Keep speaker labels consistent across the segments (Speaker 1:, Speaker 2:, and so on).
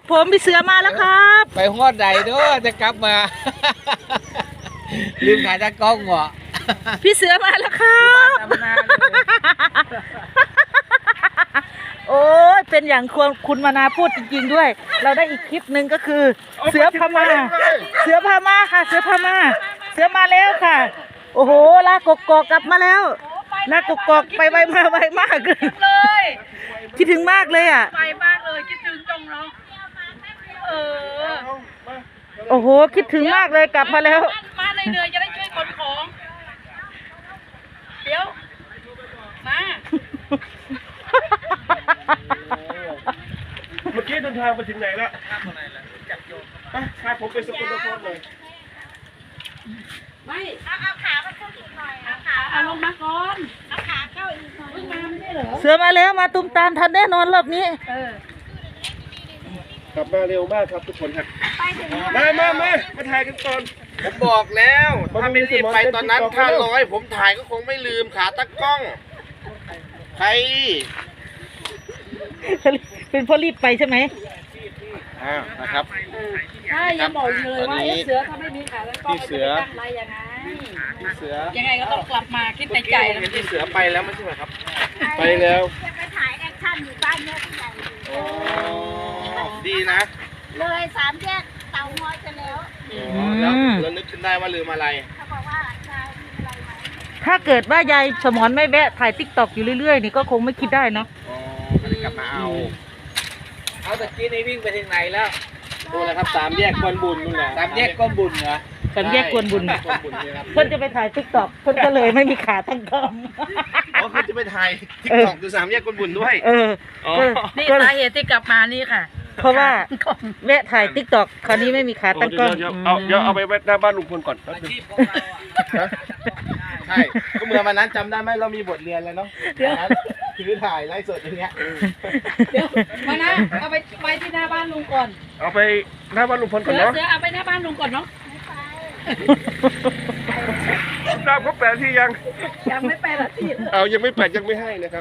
Speaker 1: ผมพี่เสือมาแล้วครับ
Speaker 2: ไปฮอดใดเด้อจะกลับมา ลืมถ่ายตากล้องเหรอ
Speaker 1: พี่เสือมาแล้วครับโอ้ยเป็นอย่างคุณมานาพูดจริงๆด้วย เราได้อีกคลิปหนึ่งก็คือ เสือพม่าเสือพม่าค่ะ เสือพม่าเสือมาแล้วค่ะ โอ้โหลากกอกกลับมาแล้วลากกอกไปไวมาไวมากเลยคิดถึงมากเลยอ่ะ
Speaker 3: ไปมากเลยคิดถึงจังเนาะ
Speaker 1: โอ้โหคิดถึงมากเลยกลับมาแล้ว
Speaker 3: มาเหนื่อยๆจะได้ช่วยขนของเดี๋ยวมา
Speaker 4: เมื่อกี้เดินทางไปถึงไหนแล้วพาผมไปสกลนครเลย
Speaker 3: ไม่เอาขามาขึ้นอีกหน่อยเอาลงมาก่อนเอาขาเข้าอีกหน่อยเพิ่งมาไม่ได้เหรอ
Speaker 1: เสือมาแล้วมาตุ้มตามทันแน่นอนรอบนี้
Speaker 4: กลับมาเร็วมากครับทุกคนครับมาถ่ายกันก่อน
Speaker 2: ผมบอกแล้วถ้าไม่รีบไปตอนนั้นถ้า100ผมถ่ายก็คงไม่ลืมขาตั้งกล้องใคร
Speaker 1: เป็นเพราะรีบไปใช่ไหม
Speaker 2: นะครับ
Speaker 3: ใช่ยังบอกอยู่เลยว่าเสือถ้าไม่มีขาแล้วก็ไม่จะตั้งไรยังไง
Speaker 2: พี่เสือ
Speaker 3: ยังไงก็ต้องกลับมาคิดในใจแล้ว
Speaker 2: พี่เสือไปแล้วไม่ใช่ไหมครับ
Speaker 4: ไปแล้ว
Speaker 5: จะไปถ่ายแอคชั่นอยู่บ้านแม่ผู้ใหญ่
Speaker 2: โอ้ดีนะ
Speaker 5: เลย3 แยกเตางอยกันแล้ว
Speaker 2: แล้วนึกขึ้นได้ว่าลืมอะไร
Speaker 5: เขาบอกว่าจะมีอะไรไหม
Speaker 1: ถ้าเกิดว่ายายสมรไม่แวะถ่ายติ๊กตอกอยู่เรื่อยๆนี่ก็คงไม่คิดได้เนาะ
Speaker 2: อ๋อก็เลยกลับมาเอาตะกี้นี่วิ่งไปถึงไหนแล้ว
Speaker 4: ดูเลยครับ3 แยกกวนบุญนู่นแหละ
Speaker 2: 3 แยกก้นบุญเหรอ
Speaker 1: สามแยกกวนบุญ
Speaker 2: ก้นบุญนี่ครับ
Speaker 1: เพื่อนจะไปถ่ายติ๊กตอกเพื่อนก็เลยไม่มีขาตั้งกล้อง
Speaker 2: อ๋อเขาจะไปถ่ายทิกตอกดู3 แยกก้นบุญด้วย
Speaker 1: เออ
Speaker 2: อ๋อ
Speaker 3: นี่
Speaker 1: ก็
Speaker 3: สาเหตุที่กลับมานี่ค่ะ
Speaker 1: เพราะว่าแวะถ่ายติ๊กตอกคราวนี้ไม่มีขาตั้งกล้อง
Speaker 4: เดี๋ยวเอาไปไว้หน้าบ้านลุงพลก่อนแป๊บนึง
Speaker 2: ใช่ก็เมื่อวันนั้นจำได้ไหมเรามีบทเรียนแล้วเนาะถือถ่ายไลฟ์สดอย่างเงี้ย
Speaker 3: เดี๋ยวมานะเอาไปไว้ที่หน้าบ้านลุงก่อน
Speaker 4: เอาไปหน้าบ้านลุงพลก่อนเนาะ
Speaker 3: เสือเอาไปหน้าบ้านลุงก่อนเนาะ
Speaker 4: ทราบเขาแปลที่ยัง
Speaker 3: ยังไม่ไปละที่
Speaker 4: เอายังไม่แปลยังไม่ให้นะครับ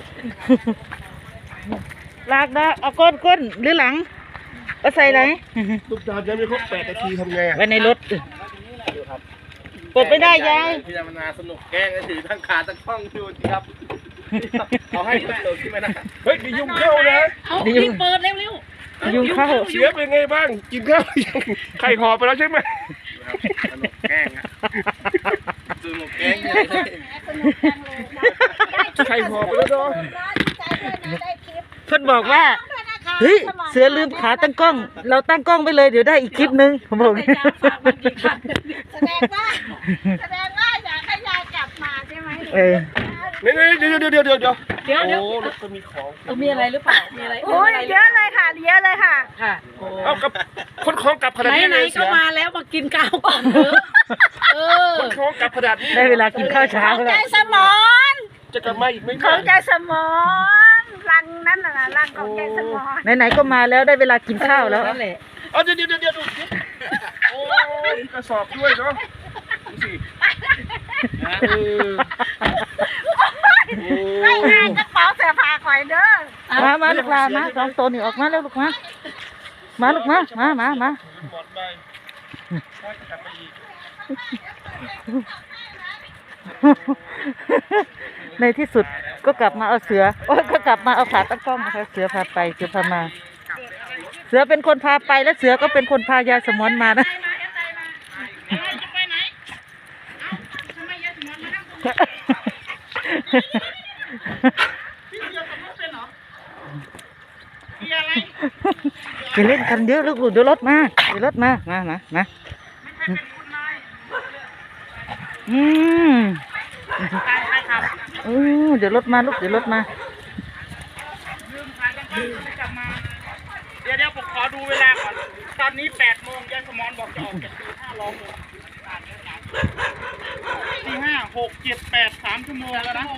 Speaker 1: ลากนะเอาก้นหรือหลังก็ใส่ไหน
Speaker 4: ทุกตามยังไม่ครบ8 นาทีทำไง
Speaker 1: ไว้ในรถเปิดไม่ได้ยาย
Speaker 2: พี่ธรรมนาสนุกแกล้งถือทั้งขาทั้งกล้องดูสิครับเอาให้เปิดขึ้นมานะ
Speaker 4: เฮ้ยมียุงเข้านะ
Speaker 3: เอารีบเปิดเร็ว
Speaker 1: ยุงเข้า
Speaker 4: เสียเป็นไงบ้างกินข้าวยังไข่ห่อไปแล้วใช่ไหม
Speaker 2: สนุกแกล้งอะสนุกแกล้งเลย
Speaker 5: สนุกจังเลยนะ
Speaker 4: ไข่ห่อไปแล้วเนาะ
Speaker 5: ดีใจด้วยนะได้คลิป
Speaker 1: เพื่อนบอกว่า
Speaker 5: ด้วยนะคะ
Speaker 1: เฮ้ยเสือลืมขาตั้งกล้อง เราตั้งกล้องไปเลยเดี๋ยวได้อีกคลิปนึงผมบอก
Speaker 3: ๆไปจ้าฝากมันกี่ครั้ง
Speaker 5: แสดงว่าอยากให้ยายกลับมาใช่ไหม
Speaker 1: เออ
Speaker 4: นี่เดี๋ยว
Speaker 3: เดี๋ยว
Speaker 4: โอ้รถก็มีของ
Speaker 3: มีอะไรหรือเปล่ามีอะไร
Speaker 5: โอ้ยเยอะเลยค่ะเยอะเลยค่ะ
Speaker 3: ค่ะ
Speaker 4: เอากับคนของกลับขนาดนี้
Speaker 3: ไหน
Speaker 4: เลย
Speaker 3: ๆ
Speaker 4: เสี
Speaker 3: ก็
Speaker 4: ย
Speaker 3: มาแล้วมากินข้าวก่อนเถอะเออ
Speaker 4: คนของกลับขนาดนี้
Speaker 1: ได้เวลากินข้าวเช้า
Speaker 5: ใจ
Speaker 1: แล้ว
Speaker 5: สมอน
Speaker 4: จะกลับมาอีกไหม
Speaker 5: ของใจสมอนรังนั่นน่ะนะรังของใจสมอน
Speaker 1: ไหนๆก็มาแล้วได้เวลากินข้าวแล้ว
Speaker 3: นั่นแหละ
Speaker 4: เอาเดี๋ยวดูสิโอ้ยกระสอบด้วยเนาะดูสิ
Speaker 5: ไม่ง่ายกระเป๋าเสื้อผ้าคอยเด้อ
Speaker 1: มาลูกลามาสองตัวนี่ออกมาแล้วลูกมาลูกมา
Speaker 4: หมดไปกลับมาอีก
Speaker 1: ในที่สุดก็กลับมาเอาเสือโอ้ยก็กลับมาเอาขาตั้งกล้องนะคะเสือพาไปเสือพามา เสือเป็นคนพาไปและเสือก็เป็นคนพายายสมอนมานะ
Speaker 3: จะไปไหนทำไมยายสมอนมานั่งตรงนี้พี่เสือขับรถเป็นเหรอมีอะไร
Speaker 1: อย่าเล่นกันเยอะลูกเดี๋ยวรถมามาเดี๋ยวรถมาลูกเดี๋ยวรถมา
Speaker 3: ลืมขายกันก็ไม่กลับมาเดี๋ยวผมขอดูเวลาก่อนตอนนี้8 โมงยายสมอนบอกจะออกจากตี 5 รอผมตี 5 6 7 8 3 ชั่วโมงแล้วนะ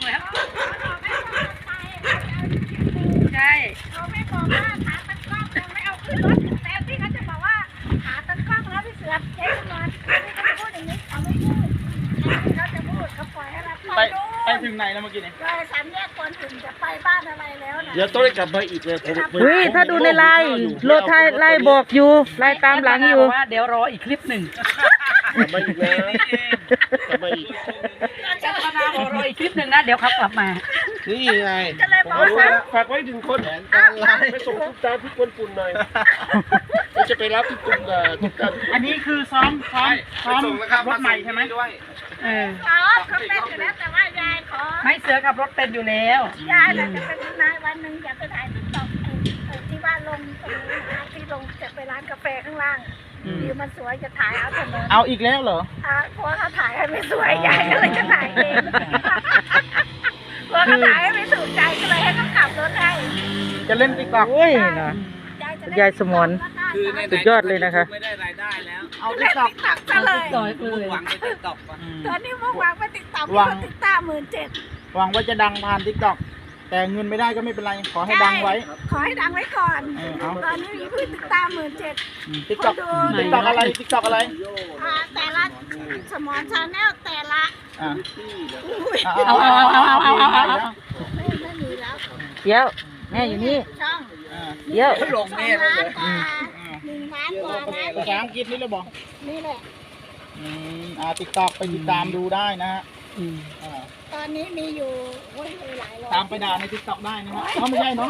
Speaker 3: ใช่
Speaker 5: เขาไม่บอกว่าขาตั้งกล้องยังไม่เอาขึ้นรถแต่ที่เขาจะบอกว่าขาตั้งกล้องแล้วพี่เสือเจ๊สมอนเขาจะพูดอย่างนี้เขาไม่พูดเขาจะพูดเขาปล่อยให้เรา
Speaker 3: ไปถึงไหนแล้วเมื่อกี้เนี่ย
Speaker 5: เลย3 แยกคนถึงจะไปบ้านอะไรแล้วนะ
Speaker 4: เดี๋ยวต้องได้กลับมาอีกเลยผม
Speaker 1: เฮ้ยถ้าดูในไลน์โลไทยไลน์บอกอยู่ไลน์ตามหลังอยู่
Speaker 6: ว่าเดี๋ยวรออีกคลิปหนึ่ง
Speaker 4: กลับมาอีกแล้วกลับมาอีก
Speaker 6: จะมานาวรออีกคลิปหนึ่งนะเดี๋ยวเขากลับมา
Speaker 2: นี่ไง
Speaker 5: ก็เลย
Speaker 4: ผม
Speaker 5: บอก
Speaker 4: รู้
Speaker 5: ว่า
Speaker 4: แล้วฝากไว้ถึงคนไปส่งทุกตาที่กวนปุ่นหน่อยเราจะไปรับที่กลุ่มทุกตา
Speaker 3: อันนี้คือซ้อมรถใหม่ใช่ไหม
Speaker 6: เออ
Speaker 5: อ๋อเขาเป็นอยู่แล้วแต่ว่ายายขอ
Speaker 6: ไม่เสือขับรถเป็นอยู่แล้ว
Speaker 5: ยายน่ะจะเป็นนายวันหนึ่งอยากไปถ่ายติ๊กต็อกที่บ้านลงตรงนี้นะที่ลงจะไปร้านกาแฟข้างล่างวิวมันสวยจะถ่ายเอาถนน
Speaker 1: เอาอีกแล้วเหรอ
Speaker 5: เพราะว่าเขาถ่ายให้ไม่สวยยายก็เลยจะถ่ายเองเพราะเขาถ่ายให้ไม่ถูกใจก็เลยให้เขาขับรถให้
Speaker 1: จะเล่นติ๊กต็อกโอ้ยนะ ยายสมร สุดยอดเลยนะคะ
Speaker 5: เอาติ๊กต็อกซะเลย
Speaker 6: ต่อยเลย
Speaker 5: ตอนนี้มุ่งหวังไปติ๊กต็อกเขาติ๊กต็อก17,000
Speaker 1: หวังว่าจะดังผ่านติ๊กต็อกแต่เงินไม่ได้ก็ไม่เป็นไร ขอให้ดังไว้
Speaker 5: ขอให้ดังไว้ก่อน
Speaker 1: เอา
Speaker 5: ตอนนี้มีผู้ติดตาม17,000
Speaker 1: ติ๊กต็อก
Speaker 5: คนดู
Speaker 1: ติ๊กต็อกอะไรติ๊กต็อกอะไร
Speaker 5: แต่ละสมอนชาแนลแต่ละ
Speaker 1: อ่ะ
Speaker 5: อุ้ย
Speaker 6: เอา
Speaker 5: ไม่มีแล้ว
Speaker 1: เดี๋ยวแม่อยู่นี่
Speaker 5: ช่อง
Speaker 1: เดี๋ยว
Speaker 5: ลงแม่เลย1 ล้านกว่านะ
Speaker 1: ภาษาอังกฤษนี่เลยบอก
Speaker 5: นี่แหละ
Speaker 1: ติ๊กต็อกไปติดตามดูได้นะฮะ
Speaker 5: ตอนนี้มีอยู่โอ้ยหลายร้อย
Speaker 1: ตามไปด่าในติ๊กต็อกได้นะฮะเขาไม่ใช่เนาะ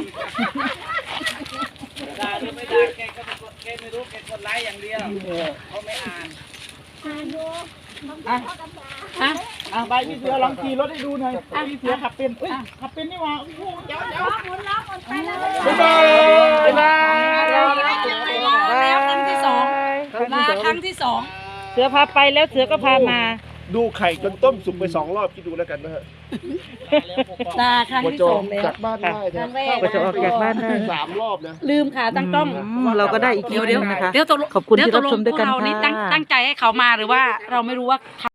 Speaker 3: ได้หรือไม่ได้แกก็แกไม่รู้แกกดไลค์อย่างเดียวเขาไม่อ่าน
Speaker 5: ดูมันก็ธรรมดา
Speaker 1: ไปพี่เสือลองขี่รถให้ดูหน่อยพี่เสือขับเป็นขับเป็นนี่หว่าโอ้โหเดี๋ยว
Speaker 5: ล้อหมุนล้อหมุนไปแล้ว
Speaker 1: บ๊ายบายบ๊ายบาย
Speaker 6: แล้วครั้งที่สองมาครั้งที่สอง
Speaker 1: เสือพาไปแล้วเสือก็พามา
Speaker 4: ดูไข่จนต้มสุกไป2 รอบคิดดูแล้วกันนะฮะ
Speaker 6: มาครั้ง
Speaker 4: กว่า
Speaker 6: ที่
Speaker 4: จะ
Speaker 6: ส
Speaker 4: อ
Speaker 6: อ
Speaker 4: อง ก
Speaker 6: แล้ว
Speaker 4: จากบ้านได้นะ
Speaker 1: กว่าจะออกจากบ้านได้
Speaker 4: 3 รอบนะ
Speaker 6: ลืมขาตั้งกล้อง
Speaker 1: เราก็ได้อีกคลิปหนึงนะคะ
Speaker 6: เดี๋ยวตกลง
Speaker 1: ขอบคุณที่
Speaker 6: เดี๋ยวต
Speaker 1: รับ
Speaker 6: กล
Speaker 1: ช
Speaker 6: ง
Speaker 1: มด้วยกัน
Speaker 6: พวเรานี่
Speaker 1: ค่ะ
Speaker 6: ตั้งใจให้เขามาหรือว่าเราไม่รู้ว่า